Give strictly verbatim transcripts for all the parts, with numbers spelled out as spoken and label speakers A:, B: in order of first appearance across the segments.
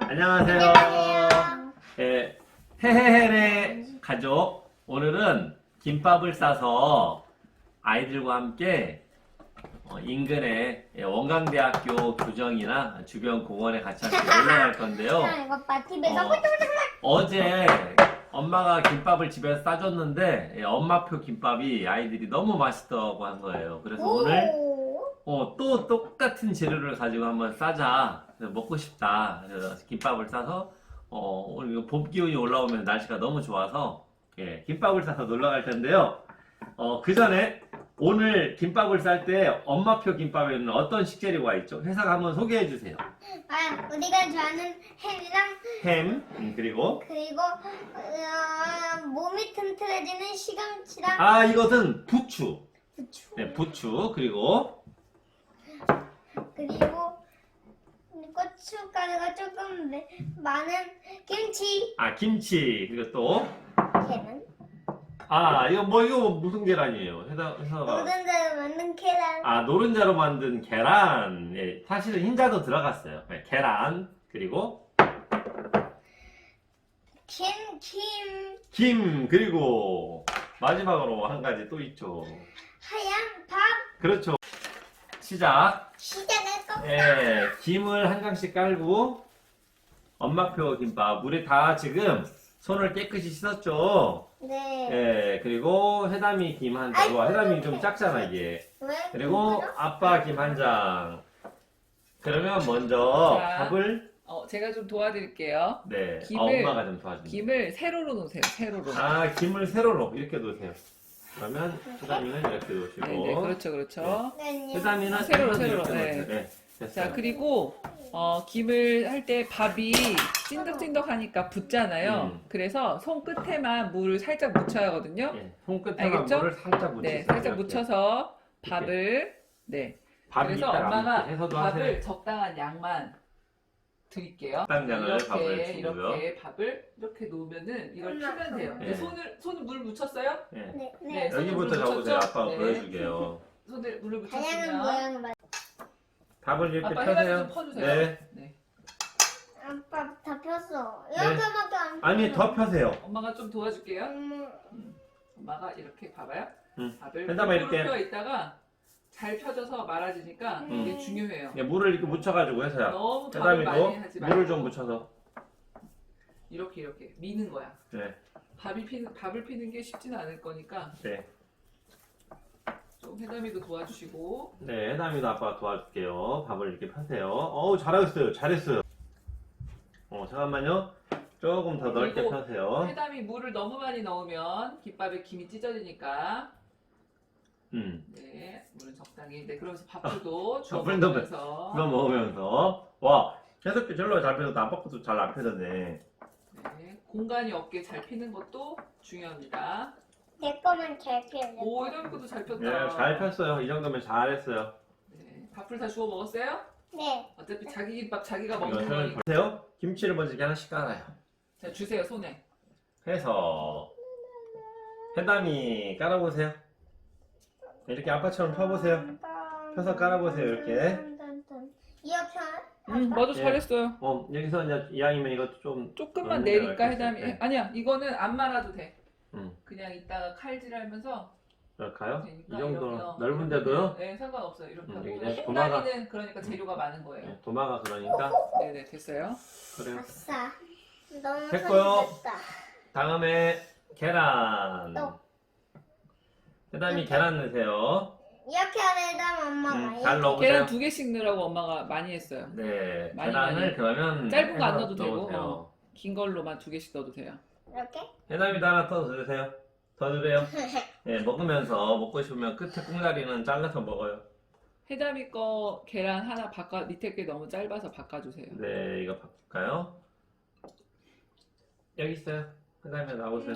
A: 안녕하세요.
B: 안녕하세요.
A: 예, 헤헤헤의 가족. 오늘은 김밥을 싸서 아이들과 함께 어, 인근의 예, 원광대학교 교정이나 주변 공원에 같이 함께 놀러 갈 건데요.
B: 이거 봐, 집에서
A: 어, 어제 엄마가 김밥을 집에서 싸줬는데 예, 엄마표 김밥이 아이들이 너무 맛있다고 한 거예요. 그래서 오늘 어, 또 똑같은 재료를 가지고 한번 싸자. 그래서 먹고 싶다. 그래서 김밥을 싸서 어, 오늘 이거 봄 기운이 올라오면 날씨가 너무 좋아서 예, 김밥을 싸서 놀러 갈 텐데요. 어, 그 전에 오늘 김밥을 쌀 때 엄마표 김밥에는 어떤 식재료가 있죠? 회사가 한번 소개해 주세요.
B: 아, 우리가 좋아하는 햄이랑
A: 햄, 음, 그리고
B: 그리고 어, 몸이 튼튼해지는 시금치랑
A: 아, 이것은 부추.
B: 부추
A: 네, 부추. 그리고
B: 그리고 고춧가루가 조금 매- 많은 김치.
A: 아, 김치. 그리고 또
B: 계란.
A: 아, 이거 뭐 이거 무슨 계란이에요? 회사 회사가
B: 노른자로 만든 계란.
A: 아, 노른자로 만든 계란. 예, 사실은 흰자도 들어갔어요. 네, 계란. 그리고
B: 김, 김,
A: 김. 그리고 마지막으로 한 가지 또 있죠.
B: 하얀 밥.
A: 그렇죠. 시작.
B: 시작할 거.
A: 예, 김을 한 장씩 깔고 엄마표 김밥. 우리 다 지금 손을 깨끗이 씻었죠.
B: 네.
A: 예, 그리고 해담이 김 한 장. 와, 해담이 좀 작잖아, 이게.
B: 왜?
A: 그리고 아빠 김 한 장. 그러면 먼저
C: 자.
A: 밥을
C: 어, 제가 좀 도와드릴게요.
A: 네,
C: 김을-
A: 어, 엄마가 좀 도와줍니다.
C: 김을 세로로 놓으세요. 세로로.
A: 아, 김을 세로로 이렇게 놓으세요. 그러면 해담이는 이렇게 놓으시고
C: 네, 네, 그렇죠, 그렇죠.
B: 네.
A: 해담이는
C: 세로로,
A: 이렇게
C: 세로로,
A: 놓으세요.
C: 네.
A: 네, 됐어요.
C: 자, 그리고 어, 김을 할 때 밥이 찐득찐득하니까 붙잖아요.
A: 음.
C: 그래서 손 끝에만 물을 살짝 묻혀야 하거든요.
A: 예, 손끝에만
C: 알겠죠?
A: 물을 살짝 묻히세요.
C: 네, 살짝
A: 이렇게.
C: 묻혀서 밥을 네.
A: 밥이
C: 그래서
A: 있다가
C: 엄마가
A: 이렇게 해서도
C: 밥을
A: 하세요.
C: 적당한 양만 드릴게요.
A: 적당량을 밥을
C: 이렇게
A: 주고요.
C: 이렇게 밥을 이렇게 놓으면은 이걸
B: 엄마,
C: 피면 돼요.
A: 네.
C: 네, 손을 손을 물 묻혔어요?
A: 예.
B: 네.
C: 네.
B: 네.
C: 손을
A: 여기부터
C: 물
A: 잡으세요.
C: 묻혔죠?
A: 아빠가
C: 네.
A: 보여줄게요.
C: 손을 물을
B: 다양한
C: 묻혔으면
B: 모양을 만.
A: 밥을 이렇게
C: 아빠
A: 펴세요.
C: 해가지고 퍼주세요.
A: 네.
C: 네.
B: 아빠 다 폈어.
A: 네.
B: 이렇게밖에 안.
A: 아니, 더 펴세요.
C: 엄마가 좀 도와줄게요.
B: 음,
C: 엄마가 이렇게 봐봐요.
A: 응.
C: 밥을
A: 해담아, 이렇게.
C: 펴 있다가 잘 펴져서 말아지니까
B: 음.
C: 이게 중요해요.
A: 예, 물을 이렇게 묻혀가지고 해서요.
C: 너무 밥을 많이
A: 해담이도
C: 하지 말고
A: 물을 좀 묻혀서.
C: 이렇게 이렇게 미는 거야.
A: 네,
C: 밥이 피는 밥을 피는 게 쉽지는 않을 거니까
A: 네.
C: 좀 해담이도 도와주시고.
A: 네, 해담이도 아빠가 도와줄게요. 밥을 이렇게 펴세요. 어우, 잘하셨어요. 잘했어요. 어, 잠깐만요. 조금 더 넓게
C: 그리고
A: 펴세요.
C: 해담이 물을 너무 많이 넣으면 김밥에 김이 찢어지니까
A: 음.
C: 네 물은 적당히. 네 그러면서 밥도 주워
A: 밥을 넣으면-
C: 먹으면서
A: 그거 먹으면서. 와, 계속 절로 잘 펴졌다. 아빠 것도 잘 안 펴졌네.
C: 네, 공간이 없게 잘 피는 것도 중요합니다.
B: 내 거만 잘 피울래.
C: 오 해담이 것도 잘 폈다.
A: 네, 잘 폈어요. 이 정도면 잘했어요.
C: 네, 밥을 다 주워 먹었어요?
B: 네.
C: 어차피 자기 김밥 자기가 먹는
A: 이것을
C: 거니까.
A: 보세요. 김치를 먼저 이렇게 하나씩 깔아요.
C: 자 주세요 손에.
A: 해서 해담이 깔아보세요. 이렇게 아빠처럼 펴보세요. 펴서 깔아보세요, 이렇게.
B: 이렇게.
C: 음 맞아
A: 예.
C: 잘했어요.
A: 어, 여기서 이제 이왕이면 이것도 좀
C: 조금만
A: 음,
C: 내니까
A: 이렇게
C: 해담이.
A: 네.
C: 아니야 이거는 안 말아도 돼.
A: 음,
C: 그냥 이따가 칼질하면서
A: 이럴까요? 이
C: 되니까
A: 정도
C: 이렇게, 어,
A: 넓은데도요?
C: 네 상관없어요. 이렇게
A: 음,
C: 하고.
A: 이제
C: 콩나기는 그러니까 재료가 많은 거예요.
A: 네, 도마가 그러니까
C: 네네 됐어요.
A: 그래요.
B: 아싸. 너무
A: 됐고요.
B: 손이 됐다.
A: 다음에 계란.
B: 또.
A: 해담이 계란 넣으세요.
B: 이렇게 하려면 엄마가
A: 음,
B: 이렇게.
A: 잘 넣어보세요.
C: 계란 두 개씩 넣으라고 엄마가 많이 했어요.
A: 네,
C: 많이,
A: 계란을
C: 많이.
A: 그러면
C: 짧은 거 안
A: 해서
C: 넣어도 되고,
A: 넣으세요.
C: 어. 긴 걸로만 두 개씩 넣어도 돼요.
B: 이렇게?
A: 해담이도 하나 더 넣으세요. 더 넣으래요. 네, 먹으면서 먹고 싶으면 끝에 꽁다리는 잘라서 먹어요.
C: 해담이 거 계란 하나 바꿔 밑에 게 너무 짧아서 바꿔주세요.
A: 네, 이거 바꿀까요? 여기 있어요. 해담이 나오세요.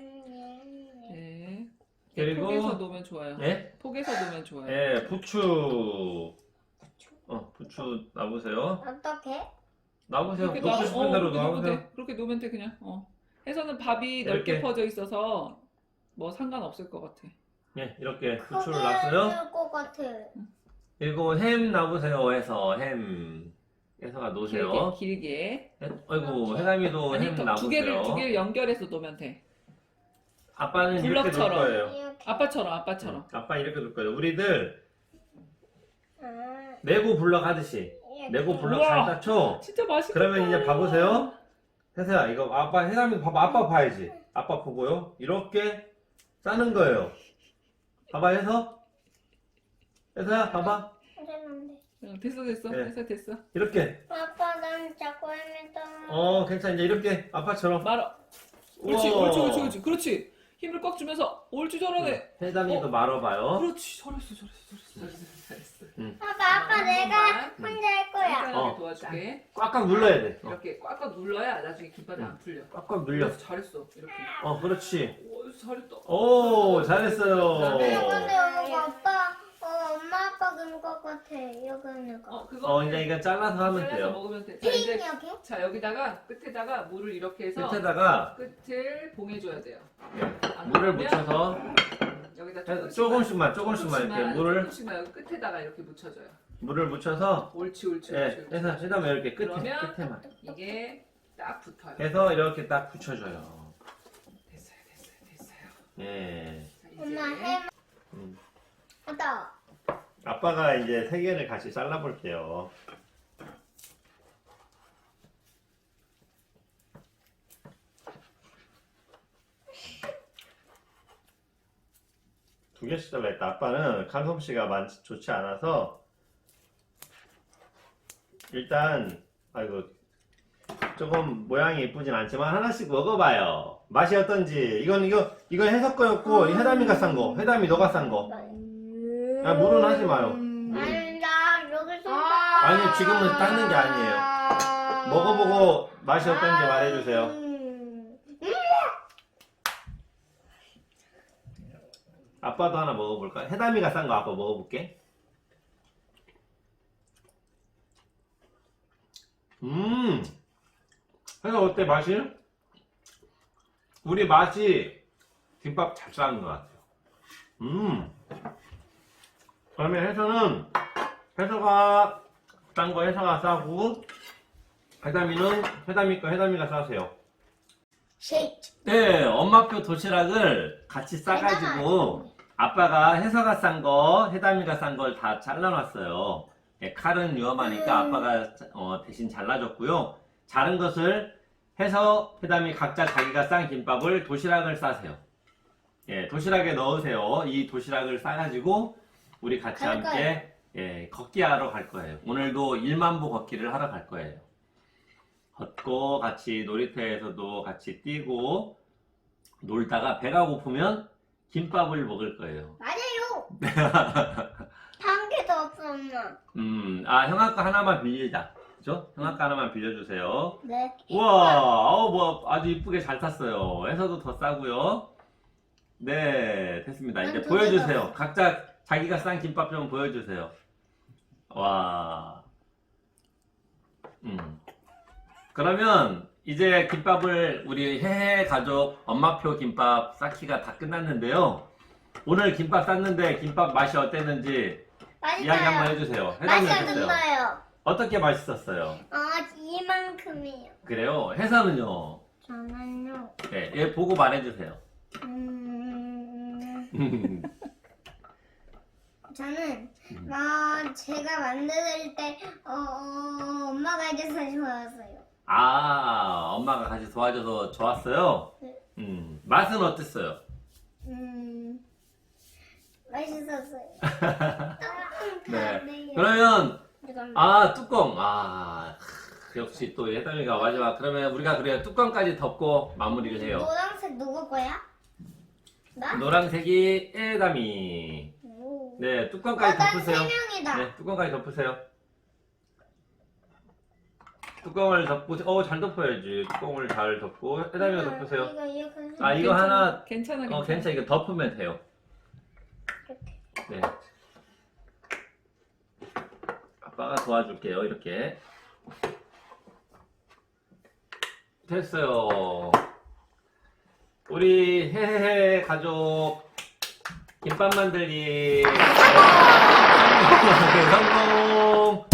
C: 네.
A: 그리고-
C: 폭에서 놓으면 좋아요.
A: 네?
C: 폭에서 놓으면 좋아요.
A: 네, 부추. 어, 부추 놔보세요.
B: 어떻게?
A: 놔보세요.
C: 그렇게
A: 놓고
C: 놔-
A: 싶은
C: 어,
A: 대로
C: 그렇게 놓으면
A: 놔보세요.
C: 돼. 그렇게 놓으면 돼 그냥. 어. 해서는 밥이
A: 이렇게.
C: 넓게 퍼져 있어서 뭐 상관없을 것 같아.
A: 네, 이렇게 부추를
B: 크게
A: 놨어요.
B: 넣을 것 같아.
A: 그리고 햄 놔보세요 해서 햄. 혜서가 놓으세요.
C: 길게, 길게.
A: 해- 아이고 해담이도
C: 아니,
A: 햄
C: 또 두
A: 나보세요.
C: 개를, 두 개를 연결해서 놓으면 돼.
A: 아빠는 이렇게 놓을
C: 블럭처럼.
A: 거예요.
B: 이렇게.
C: 아빠처럼, 아빠처럼.
A: 아빠 이렇게 놓을 거예요. 우리들
B: 아,
A: 레고 블럭 하듯이
B: 이렇게.
A: 레고 블럭
C: 우와.
A: 잘 닦죠?
C: 진짜 맛있겠다.
A: 그러면 이제 봐보세요. 혜서야 이거 아빠 해담이 봐봐. 아빠 봐야지. 아빠 보고요. 이렇게 싸는 거예요. 봐봐 혜서. 혜서야 봐봐.
B: 괜찮은데.
C: 응, 됐어, 됐어.
A: 네.
C: 됐어, 됐어.
A: 이렇게.
B: 아빠 난 자꾸 헤매다.
A: 어 괜찮아. 이제 이렇게 아빠처럼.
C: 말아. 옳지,
A: 우와.
C: 옳지, 옳지, 옳지. 그렇지. 힘을 꽉 주면서 옳지, 잘하네.
A: 해담이도
C: 어?
A: 말아봐요.
C: 그렇지, 잘했어, 잘했어, 잘했어, 잘했어, 잘했어.
B: 아빠 아빠
C: 어,
B: 내가
C: 한번.
B: 혼자 할 거야.
C: 간단하게
A: 어.
C: 도와줄게.
A: 꽉꽉 눌러야 돼. 어.
C: 이렇게 꽉꽉 눌러야 나중에 김밥이 안 풀려.
A: 꽉꽉 눌려.
C: 그래서 잘했어. 이렇게.
A: 어 그렇지.
C: 오, 잘했다.
A: 오 잘했어요.
B: 근데 이거 아빠 어 엄마 아빠 그런 것 같아. 이거 이거.
C: 어, 그거
A: 어 이제 이거 잘라서 하면
C: 잘라서
A: 돼요.
C: 먹으면 돼. 자, 이제
B: 핑 여기?
C: 자 여기다가 끝에다가 물을 이렇게 해서
A: 끝에다가
C: 끝을 봉해줘야 돼요. 안
A: 물을
C: 그러면
A: 묻혀서
C: 여기다
A: 해-
C: 조금씩만,
A: 조금씩만 조금씩만 이렇게 물을
C: 조금씩만 여기 끝에다가 이렇게 묻혀줘요.
A: 물을 묻혀서
C: 옳지, 옳지,
A: 예,
C: 옳지. 옳지.
A: 해서 해담 이렇게 끝에
C: 그러면
A: 끝에만
C: 이게 딱 붙어요.
A: 해서 이렇게 딱 붙여줘요.
C: 됐어요, 됐어요, 됐어요.
A: 예.
C: 자, 이제
B: 엄마 해.
A: 음.
B: 아빠.
A: 아빠가 이제 세 개를 같이 잘라볼게요. 두 개씩 잘라했다. 아빠는 칼솜씨가 많지 좋지 않아서 일단 아이고 조금 모양이 예쁘진 않지만 하나씩 먹어봐요. 맛이 어떤지. 이건 이거 이건 해석 거였고 이 해담이가 싼 거. 해담이 너가 싼 거. 아, 물은 하지 마요.
B: 아니 나 여기서.
A: 아니 지금은 닦는 게 아니에요. 먹어보고 맛이 어떤지 말해주세요.
B: 음.
A: 아빠도 하나 먹어볼까? 해담이가 싼 거 아빠 먹어볼게. 음, 해서 어때 맛이? 우리 맛이 김밥 잘 싸는 것 같아요. 음, 그러면 해서는 해서가 싼 거 해서가 싸고 해담이는 해담이 거 해담이가 싸세요.
B: 쉐이크.
A: 네, 엄마표 도시락을 같이 싸가지고 아빠가 해서가 싼 거, 해담이가 싼 걸 다 잘라놨어요. 예, 칼은 위험하니까
B: 음.
A: 아빠가 어, 대신 잘라줬고요. 자른 것을 해서 해담이 각자 자기가 싼 김밥을 도시락을 싸세요. 예, 도시락에 넣으세요. 이 도시락을 싸가지고 우리 같이
B: 갈
A: 함께 예, 걷기 하러 갈 거예요. 오늘도 일만 보 걷기를 하러 갈 거예요. 걷고 같이 놀이터에서도 같이 뛰고 놀다가 배가 고프면 김밥을 먹을 거예요.
B: 맞아요. 한 개도 없어 엄마.
A: 음, 아, 형아 거 하나만 빌리자. 그죠? 형아 거 하나만 빌려주세요.
B: 네.
A: 우와, 어, 뭐, 아주 이쁘게 잘 탔어요. 해서도 더 싸고요. 네, 됐습니다. 이제
B: 난두
A: 보여주세요.
B: 개도
A: 각자 자기가 싼 김밥 좀 보여주세요. 와. 음. 그러면 이제 김밥을 우리 해해 가족 엄마표 김밥 쌓기가 다 끝났는데요. 오늘 김밥 쌌는데 김밥 맛이 어땠는지
B: 맛있어요.
A: 이야기 한번 해주세요. 해담이
B: 맛이
A: 어땠어요?
B: 없어요.
A: 어떻게 맛있었어요?
B: 어 이만큼이에요.
A: 그래요? 해서는요?
B: 저는요.
A: 네, 얘 보고 말해주세요.
B: 음. 저는 어, 제가 만들 때 어, 어, 엄마가 해줘서 좋았어요.
A: 아, 엄마가 같이 도와줘서 좋았어요?
B: 네.
A: 음, 맛은 어땠어요?
B: 음, 맛있었어요.
A: 네. 그러면,
B: 잠깐만.
A: 아, 뚜껑. 아, 크, 역시 또 해담이가 마지막. 그러면 우리가 그래요. 뚜껑까지 덮고 마무리를 해요.
B: 노란색 누구 거야? 나?
A: 노란색이 해담이.
B: 오.
A: 네,
B: 어,
A: 뚜껑까지 덮으세요.
B: 난세 명이다.
A: 네, 뚜껑까지 덮으세요. 뚜껑을 덮고, 어, 잘 덮어야지. 뚜껑을 잘 덮고, 해담이가 덮으세요.
B: 이거 이거 그
A: 아, 이거 하나,
C: 괜찮아, 괜찮아.
A: 어, 괜찮아. 이거 덮으면 돼요. 네. 아빠가 도와줄게요. 이렇게. 됐어요. 우리 해해해 가족 김밥 만들기 성공!